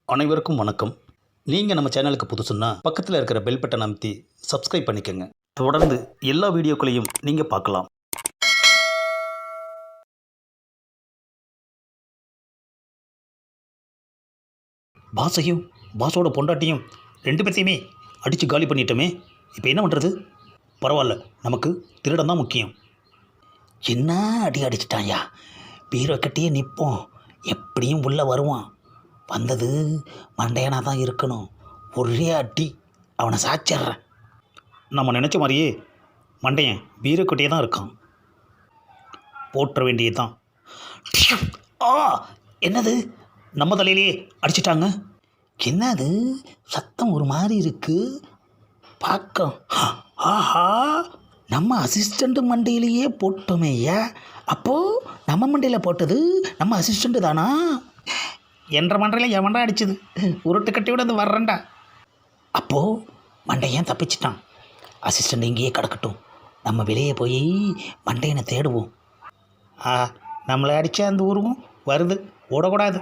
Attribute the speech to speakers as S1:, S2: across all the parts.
S1: அனைவருக்கும் வணக்கம். நீங்கள் நம்ம சேனலுக்கு புதுசுன்னா பக்கத்தில் இருக்கிற பெல் பட்டனை அமைத்தி சப்ஸ்கிரைப் பண்ணிக்கோங்க. தொடர்ந்து எல்லா வீடியோக்களையும் நீங்கள் பார்க்கலாம். பாஸையும் பாஸோட பொண்டாட்டியும் ரெண்டு பேர்த்தையுமே அடித்து காலி பண்ணிட்டோமே. இப்போ என்ன பண்ணுறது? பரவாயில்ல, நமக்கு திருடம் தான் முக்கியம். என்ன அடி அடிச்சிட்டாயா? பீரோ கட்டியே நிற்போம், எப்படியும் உள்ளே வருவான். வந்தது மண்டையனாக தான் இருக்கணும். ஒரே அடி அவனை சாச்சிட்றேன். நம்ம நினச்ச மாதிரியே மண்டையன் பீரோக்கட்டியே தான் இருக்கான். போட்டுற வேண்டியது தான். ஆ, என்னது? நம்ம தலையிலேயே அடிச்சிட்டாங்க. என்னது சத்தம் ஒரு மாதிரி இருக்கு? பார்க்க ஆஹா, நம்ம அசிஸ்டண்ட்டு மண்டையிலேயே போட்டோமே ஐயா. அப்போது நம்ம மண்டையில் போட்டது நம்ம அசிஸ்டண்ட்டு தானா? என்ற மண்டையில் என் மண்டை அடிச்சுது. உருட்டு கட்டியோட அது வர்றேன்டா. அப்போது மண்டையன் தப்பிச்சிட்டான். அசிஸ்டண்ட் இங்கேயே கிடக்கட்டும், நம்ம வெளியே போய் மண்டையனை தேடுவோம். நம்மளை அடித்த அந்த உருவம் வருது, ஓடக்கூடாது.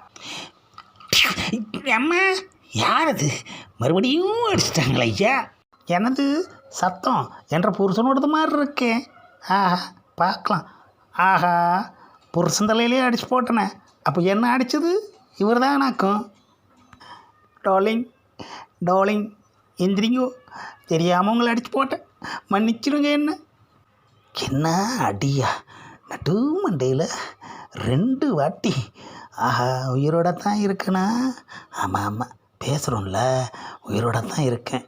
S1: அம்மா, யார் அது? மறுபடியும் அடிச்சிட்டாங்களா ஐயா? எனது சத்தம் என்ற புருஷனோடது மாதிரி இருக்கேன். பார்க்கலாம். ஆஹா, புருஷன் தலையிலே அடிச்சு போட்டனே. அப்போ என்ன அடித்தது இவர் தான் நாக்கும். Darling darling, எந்திரிங்கோ. தெரியாமல் உங்களை அடித்து போட்டேன், மன்னிச்சிடுங்க. என்ன அடியா? நடு மண்டையில் 2 வாட்டி. ஆஹா, உயிரோட தான் இருக்கேனா? ஆமாம் ஆமாம், பேசுகிறோம்ல, உயிரோட தான் இருக்கேன்.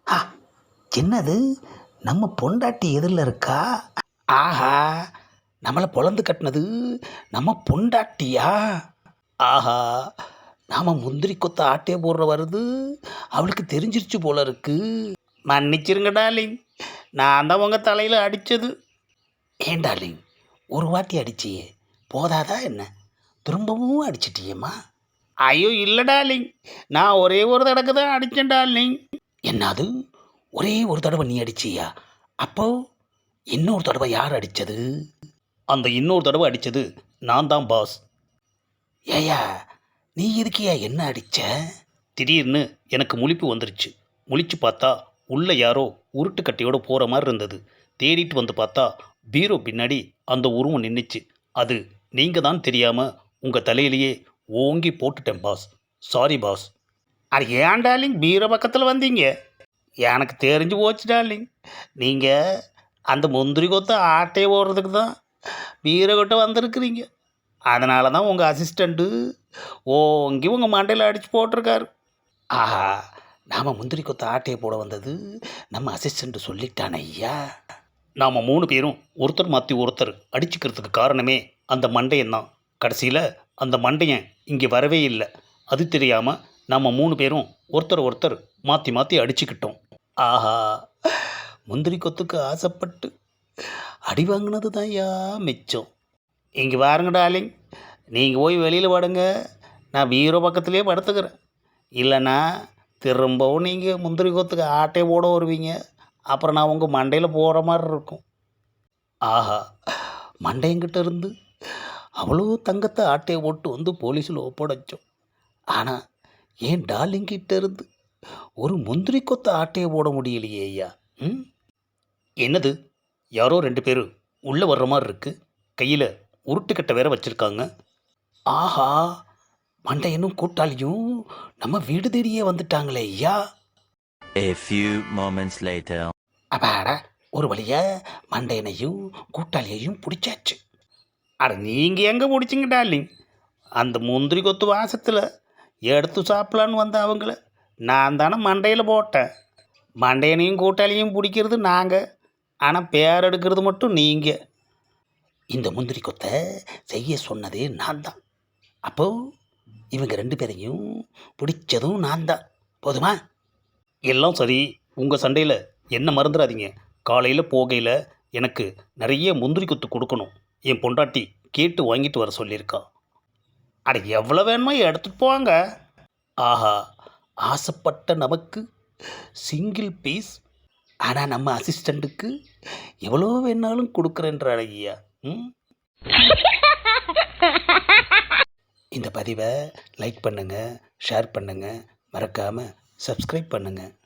S1: என்னது, நம்ம பொண்டாட்டி எதிரில் இருக்கா? ஆஹா, நம்மளை பொழந்து கட்டினது நம்ம பொண்டாட்டியா? ஆஹா, நாம் முந்திரி கொத்த ஆட்டே போடுற வருது, அவளுக்கு தெரிஞ்சிருச்சு போல இருக்கு. மன்னிச்சிருங்க டார்லிங், நான் தான் உங்கள் தலையில் அடித்தது. ஏன் டார்லிங், ஒரு வாட்டி அடிச்சியே போதாதா என்ன? திரும்பவும் அடிச்சிட்டியம்மா? ஐயோ இல்லை டார்லிங், நான் ஒரே ஒரு தடவை தான் அடித்தேன் டார்லிங். என்னது, ஒரே ஒரு தடவை நீ அடிச்சியா? அப்போ இன்னொரு தடவை யார் அடித்தது? அந்த இன்னொரு தடவை அடித்தது நான் தான் பாஸ். ஏயா, நீ எதுக்கியா என்ன அடித்த? திடீர்னு எனக்கு முழிப்பு வந்துருச்சு. முழிச்சு பார்த்தா உள்ளே யாரோ உருட்டு கட்டையோடு போகிற மாதிரி இருந்தது. தேடிட்டு வந்து பார்த்தா பீரோ பின்னாடி அந்த உருவம் நின்றுச்சு. அது நீங்கள் தான் தெரியாமல் உங்கள் தலையிலேயே ஓங்கி போட்டுட்டேன் பாஸ். Sorry boss. அது ஏன் டார்லிங் பீரோ பக்கத்தில் வந்தீங்க? எனக்கு தெரிஞ்சு போச்சு டார்லிங், நீங்கள் அந்த முந்திரி கொத்த ஆட்டையை ஓடுறதுக்கு தான் பீரோ கிட்ட வந்திருக்கிறீங்க. அதனால தான் உங்கள் அசிஸ்டண்ட்டு ஓங்கி உங்கள் மண்டையில் அடித்து போட்டிருக்காரு. ஆஹா, நாம் முந்திரி கொத்த ஆட்டையை போட வந்தது நம்ம அசிஸ்டண்ட்டு சொல்லிட்டான ஐயா. நாம் 3 பேரும் ஒருத்தர் மாற்றி ஒருத்தர் அடிச்சுக்கிறதுக்கு காரணமே அந்த மண்டையன் தான். கடைசியில் அந்த மண்டையன் இங்கே வரவே இல்லை. அது தெரியாமல் நம்ம 3 பேரும் ஒருத்தர் மாற்றி மாற்றி அடிச்சுக்கிட்டோம். ஆஹா, முந்திரி கொத்துக்கு ஆசைப்பட்டு அடி வாங்கினது தான் ஐயா மிச்சம். இங்கே பாருங்க டார்லிங், நீங்கள் போய் வெளியில் படுங்க, நான் பீரோ பக்கத்துலேயே படுத்துக்கிறேன். இல்லைன்னா திரும்பவும் நீங்கள் முந்திரி கொத்துக்கு ஆட்டே போட வருவீங்க. அப்புறம் நான் உங்கள் மண்டையில் போகிற மாதிரி இருக்கும். ஆஹா, மண்டையங்கிட்ட இருந்து அவ்வளோ தங்கத்தை ஆட்டையை போட்டு வந்து போலீஸில் ஒப்படைச்சோம். ஆனால் ஏன் டார்லிங்கிட்ட இருந்து ஒரு முந்திரி கொத்த ஆட்டையை போட முடியலையே ஐயா. என்னது, யாரோ 2 பேர் உள்ளே வர்ற மாதிரி இருக்குது. கையில் உருட்டுக்கட்டை வேற வச்சுருக்காங்க. ஆஹா, மண்டையனும் கூட்டாளியும் நம்ம வீடு தேடியே வந்துட்டாங்களே ஐயா.
S2: A few moments later.
S1: அப்பாடா, ஒரு வழியாக மண்டையனையும் கூட்டாளியையும் பிடிச்சாச்சு. அட நீங்கள் எங்கே பிடிச்சிங்க டார்லிங்? அந்த முந்திரி கொத்து வாசத்தில் எடுத்து சாப்பிட்லான்னு வந்த அவங்கள நான் தானே மண்டையில் போட்டேன். மண்டையனையும் கூட்டாளியும் பிடிக்கிறது நாங்கள், ஆனால் பேர் எடுக்கிறது மட்டும் நீங்கள். இந்த முந்திரி கொத்தை செய்ய சொன்னதே நான் தான். அப்போது இவங்க 2 பேரையும் பிடிச்சதும் நான் தான். போதுமா? எல்லாம் சரி, உங்கள் சண்டையில் என்ன மறந்துடாதீங்க. காலையில் போகையில் எனக்கு நிறைய முந்திரி கொத்து கொடுக்கணும். என் பொண்டாட்டி கேட்டு வாங்கிட்டு வர சொல்லியிருக்கா. அட எவ்வளோ வேணுமோ எடுத்துகிட்டு போவாங்க. ஆஹா, ஆசைப்பட்ட நமக்கு சிங்கிள் பீஸ். ஆனால் நம்ம அசிஸ்டண்ட்டுக்கு எவ்வளோ வேணாலும் கொடுக்குறேன்ற ஐயா. இந்த பதிவை லைக் பண்ணுங்கள், ஷேர் பண்ணுங்கள், மறக்காமல் Subscribe பண்ணுங்கள்.